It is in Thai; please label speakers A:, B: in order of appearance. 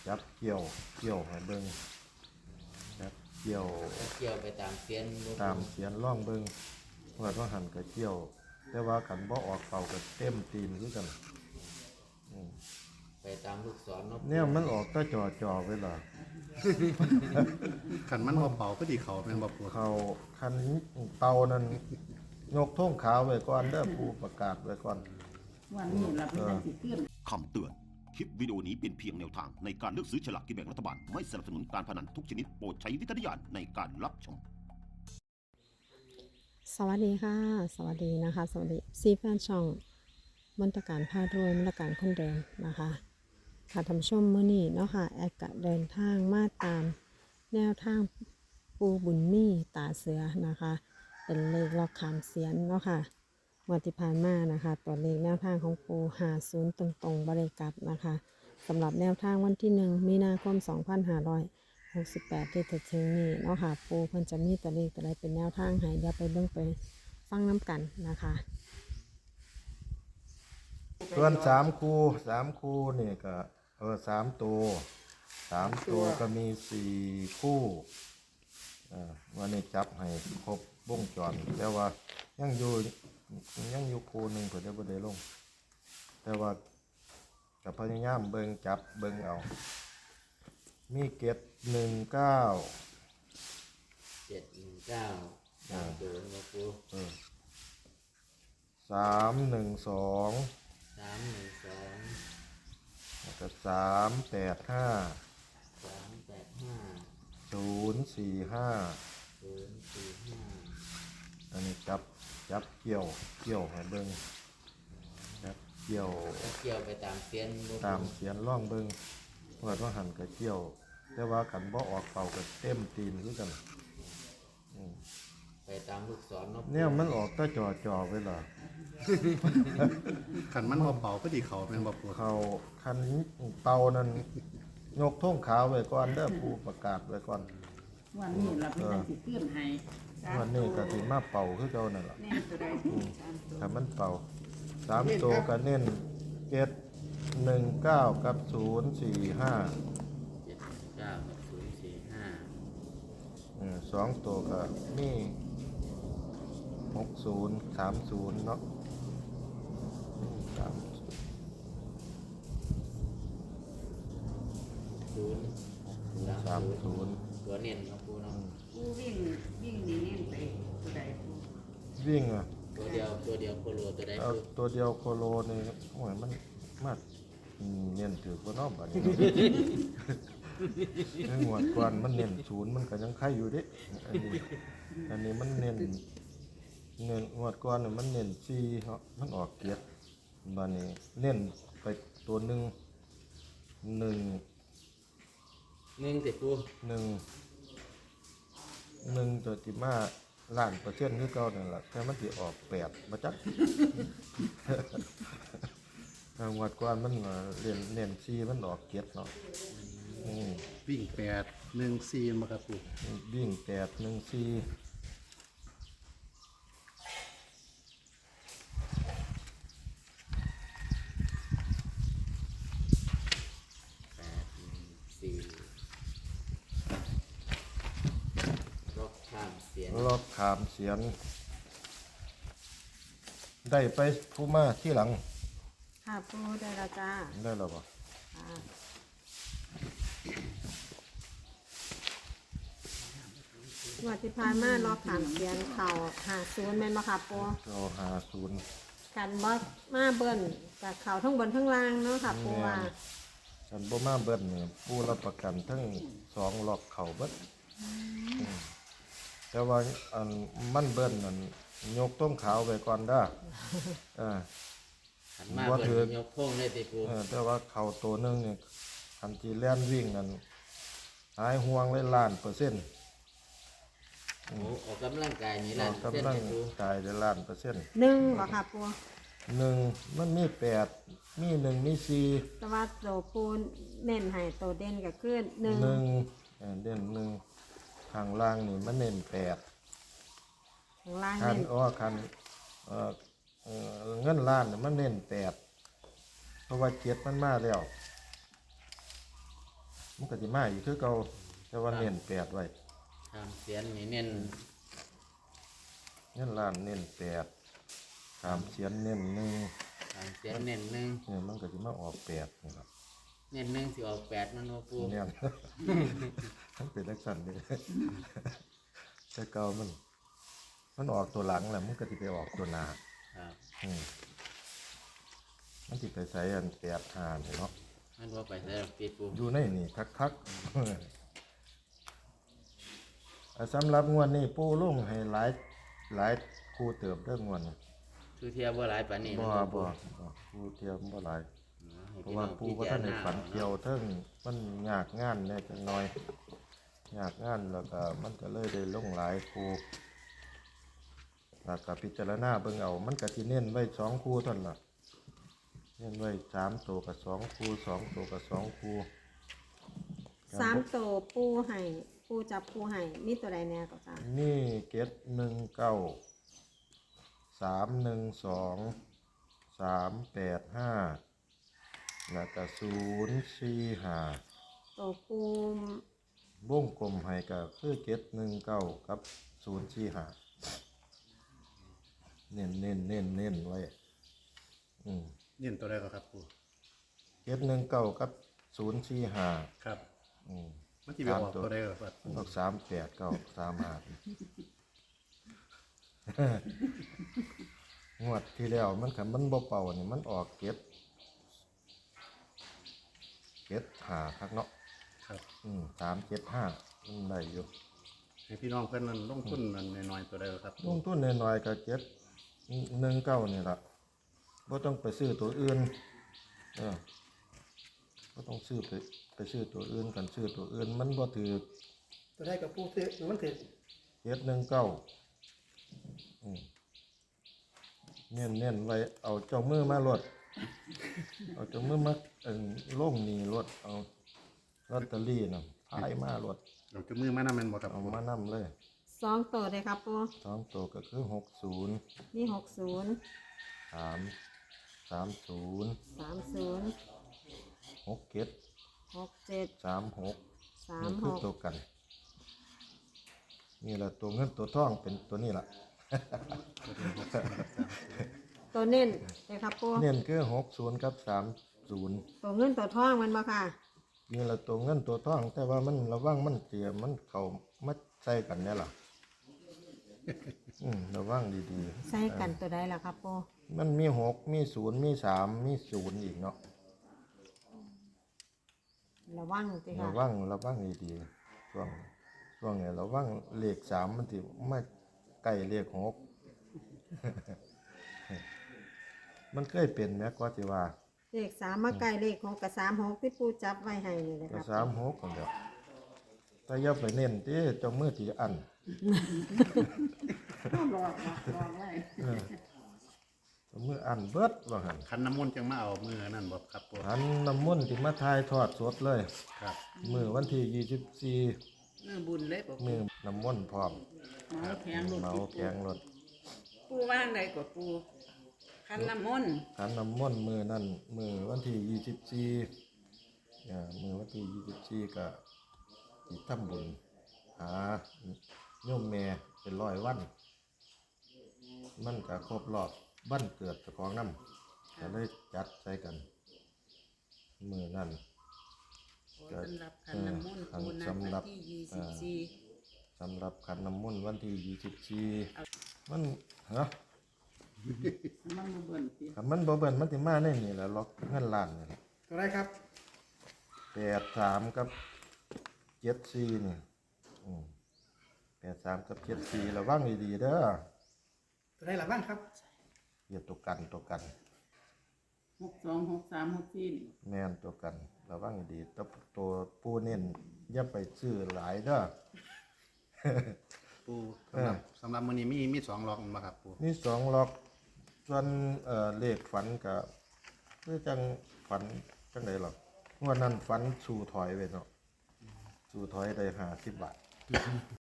A: จับเกี่ยวให้เบิ่งจับเกี่ยว
B: ไปตามเสียน
A: ล่องเบิ่งว่าหันก็เกี่ยวแต่ว่าขันบ่ออกเป่าก็เต็มตีนคือกัน
B: ไปตามลูกศรเนาะ
A: เนี่ยมันออกก็จ่อไว้ล่ะ
C: ขันมันเบาๆก็ดีเขาเป็นบ่ปวด
A: เขาคันเตานั้นยกท่งขาวไว้ก่อนเด้อผู้ประกาศไว้ก่อน
D: วันนี้เราเป็นการสิขึ้น
E: คำเตือนคลิปวิดีโอนี้เป็นเพียงแนวทางในการเลือกซื้อฉลากกินแบ่งรัฐบาลไม่สนับสนุนการพนันทุกชนิดโปรดใช้วิจารณญาณในการรับชม
F: สวัสดีค่ะสวัสดีนะคะสวัสดีซีแฟนช่องมนตการพารวยมนตการคนเดิมนะคะค่ะท่านผู้ชมมื้อนี้เนาะค่ะแอดกะเดินทางมาตามแนวทางปูบุญมีตาเสือนะคะเป็นเลขล็อกขามเสียนเนาะค่ะวันที่ผ่านมานะคะตัวเลขแนวทางของปู50ตรงๆบริกลับนะคะสำหรับแนวทางวันที่1มีนาคม2568ที่จะถึงนี้เนาะค่ะปูเพิ่นจะมีตัวเลขตัวใดเป็นแนวทางให้เดี๋ยวไปเบิ่งไปฟังน้ำกันนะคะ
A: ส่วน3 คู่นี่ก็3 ตัวก็มี4 คู่วันนี้จับให้ครบวงจรแต่ว่ายังอยู่คู่หนึ่งเพิ่นได้บ่ได้ลงแต่ว่ากับพยายามเบิ่งจับเบิ่งเอามีเกต19
B: ตามตัวนะครู
A: 312 แล้วก็385 045อันนี้จับเกี่ยวให้เบิ่งจับเกี่ยว
B: ไปตามเสียน
A: ล่องเบิ่งว่าหันก็เกี่ยวแต่ว่าขันบ่ออกเป่าก็เต็มตีนคือกัน
B: ไปตามลูกศรเนาะ
A: เนี่ยมันออกก็จ่อไว้ล่ะ
C: ขันมันเบาๆก็ดีเขาเป็นบ่ปวด
A: เขาคันเตานั้นยกท่งขาวไว้ก่อนเด้อผู้ประกาศไว้ก่อน
D: วันนี้เราเป็นการสิขึ้นให้
A: วันนี้ก็สิมาเป่าคือเก่านั่นล่ะ
D: แน่ตัวใด
A: ถ้ามันเป่า3 ตัวก็เน้น719กับ045 2 ตัวก็มี6030เนาะ30
B: ตัวเน้นนะครูเนาะ
D: ผู้วิ่งนี่เน้นไปตัวใด
A: วิ่ง
B: ตัวเดียวโคโลตัวใด
A: เอาตัวเดียวโคโลนี่โอ้ยมันมาเน้นถือบ่เนาะบัดนี้งวดก่อนมันเน้น0มันก็ยังไข่อยู่เด้อันนี้มันเน้นงวดก่อนมันเน้น4เนาะมันออกเกียรติบัดนี้เน้นไปตัว1
B: ติดครู
A: 1ตัวที่มาล้านเปอร์เซ็นต์คือเก่านั่นล่ะแต่มันสิออก8บ่จักงวดก่อนมันเน้น4มันออกเกียรติเนาะ
C: วิ่ง8 1 4มาครับปู่
A: วิ่ง8 1 4ล็อกขามเสียนได้ไปผู้มาที่หลัง
F: ค่ะปูได้แล้วจ้า
A: ได้แล้วป่ะ
F: วันที่ผ่านมาล็อกขามเสียนเข่า50แม่นบ่ค่ะปู
A: เรา50
F: กันบ่มาเบิ้นกับเข่าทั้งบนทั้งล่างเนาะค่ะปูว่า
A: กันบ่มาเบิ้นเนี่ยผู้รับประกันทั้ง2ล็อกเข่าเบิดแต่ว่าอันมันเบิ้นนั่นยกต้มขาวไปก่อนเด้อ
B: ว่าถือยกโค้งได้ติปู
A: แต่ว่าเข่าตัวนึงเนี่ยคันที่แล่นวิ่งนั่นหายห่วงเลย1,000,000%
B: ออกกำลังกายนี่1,000,000%
A: กำลังกายได้1,000,000%
F: บ่ค่ะปู
A: 1มันมี8มี1มี4
F: แต่ว่าโตปูเน้นให้โตเด่นก็คือ1
A: เด่น1ข้างล่างนี่มันเน้น8
F: ข้างล่าง
A: เน้นคันเงินล้านมันเน้น8เพราะว่า7มันมาแล้วมันก็สิมาอีกคือเก่าแต่ว่าเน้นแปดไว้
B: ตามเสียนนี่เน้น
A: เงินล้านเน้นแปดตามเสียนเน้นหนึ่ง
B: ตามเสียนเน้นหนึ่ง
A: เนี่ยมันก็สิมาออกแปดนี่ครับ
B: เน้นหนึ่งสิออก8มันบ่ปู
A: เนี่ย มันเป็นลักษณะนี้ แต่เก่ามันออกตัวหลังแหละมันก็สิไปออกตัวหน้า
B: ครับ
A: มันสิไปใส่อัน8 5นี่เนาะ
B: มันบ่ไปใส่ดอกติปู
A: อยู่ในนี่คักๆ สำหรับงวดนี้ปู่ลุงให้หลายคู่เติบเรื่องงวดนี้
B: คือเทียบบ่หลายปานนี้
A: บ่
B: มัน
A: บ่คู่เทียมบ่หลาย
B: ให้
A: เพราะ
B: พี่น้
A: ว่า
B: อง
A: ปู่
B: พิ
A: ก็
B: จา
A: ท่าร นใน
B: ณา
A: ฝัน
B: เอา
A: เกี่ยว
B: เนาะ
A: เทิงมันยากงานแน่จังน้อยยากงานแล้วก็มันก็เลยได้ลงหลายคู่แล้วก็พิจารณาเบิ่งเอามันก็สิเน้นไว้2คู่เท่านั้นล่ะเน้นไว้3ตัวกับ2คู่2ตัวกับ2คู่
F: 3ตัวปูให้ปูจับปูให้มีตัวใดแน่ก็จ้า
A: นี่เก็ด19 312 385แล้วก็045
F: ตัวปู
A: วงกลมให้ก็คือเก็ด19กับ045เน้นไว้
C: เน้นตัวใดก็ครับปู
A: เก็ด19กับ045
C: ครับ
A: อืม
C: มันสิไปออกตัวใดก็ครับปู
A: ออก389 35งวดที่แล้วมันคันมันบ่เป่านี่มันออกเก็ด5คักเนาะ
C: ครับ
A: 375ได้อยู่
C: ให้พี่น้องเพิ่นนั้นลงทุนนั้นน้อยๆตัวใดก็ครับ
A: ลงทุนน้อยๆก็เก็ด19นี่ล่ะบ่ต้องไปซื้อตัวอื่นบ่ต้องซื้อไปซื้อตัวอื่นกันซื้อตัวอื่นมันบ่ถือ
G: ตัวได้กับปูเตะมันถือ
A: เก็ด19เน้นไว้เอาเจ้ามือมาลดเอาเจ้ามือมาลงนี่ลดเอาลอตเตอรี่น่ะพายมาลด
C: เราจะมือมานำแม่นบ่ครับ
A: เอา
C: ปู
A: มานำเลย
F: 2ตัวเลยครับปู
A: 2ตัวก็คือ60
F: นี่60
A: 30
F: 30
A: 67
F: 67
A: 36นี่คือตัว
F: 36
A: กันนี่แหละตัวเงินตัวทองเป็นตัวนี้ล่ะ
F: ตัวเน้นเลยครับปู
A: เน้นคือ60กับ30
F: ตัวเงินตัวทองมันบ่ค่ะ
A: นี่แหละตัวเงินตัวทองแต่ว่ามันระวังมันเสียมันเข้ามาใส่กันเนี่ยล่ะ ระวังดี
F: ใส่กันตัวใดล่ะครับปู
A: ๆมันมี6มี0มี3มี0อีกเนาะ
F: ระวังติ
A: ระ
F: ค่ะ
A: วังดีๆช่วงนี้ระวังเลข3มันสิมาใกล้เลข6 มันเคยเป็นแม้ก็สิว่า
F: เลข3มาใกล้เลข6กับ36ที่ปูจับไว้ให้นี่เลยค
A: ก็
F: รับ
A: 36กันเดียวแต่อย่าไปเน้นที่เจ้ามือที่อัน
D: รอไว้
A: เจ้ามืออันเบิดว่าหั่น
C: คันน้ำมนต์จังมาเอามือนั่นบ่ครับปู
A: หันน้ำมนต์ที่มาทายทอดสดเลย
C: ครับ
A: มื้อวันที่24
D: มือบุญเลยบอก
A: มื้อน้ำมนต์พร้อม
D: หมอแข็งลูก
A: เมาแกงรถ
D: ปูว่างใดกว่าปูคันน้ำมนต์
A: ขันน้ำมนต์มื้อนั้นมื้อวันที่24มื้อวันที่24ก็สิทำบุญหาโยมแม่เป็น100วัน มันก็ครบรอบวันเกิดเจ้าของนำก็เลยจัดใส่กันมื้อนั้น
D: สำหรับคันน้ำมนต์ปูนัดวันที่24
A: สำหรับขันน้ำมนต์วันที่24มันฮะ
D: มันมาเบิ่นสิ
A: ถ้ามันบ่เบิ่นมันสิมาในนี่แหละล็อกเงินล้านนี่
G: ตัวได้ครับ
A: 83กับ74นี่83กับ74ระวังดีๆเด้อ
G: ตัวได้หลับบ้างครับ
A: อย่าตัวกัน
D: 62 63 64นี่
A: แม่นตัวกันระวังดีๆตัวปูเน้นอย่าไปซื้อหลายเด้อ
C: ปูสำหรับมื้อนี้มี2ล็อกบ่ครับปู
A: มี2ล็อกส่วนเลขฝันก็คือจังฝันจังได๋หรอกงวดนั้นฝันสู่ถอยไว้เนาะสู่ถอยได้50 บาท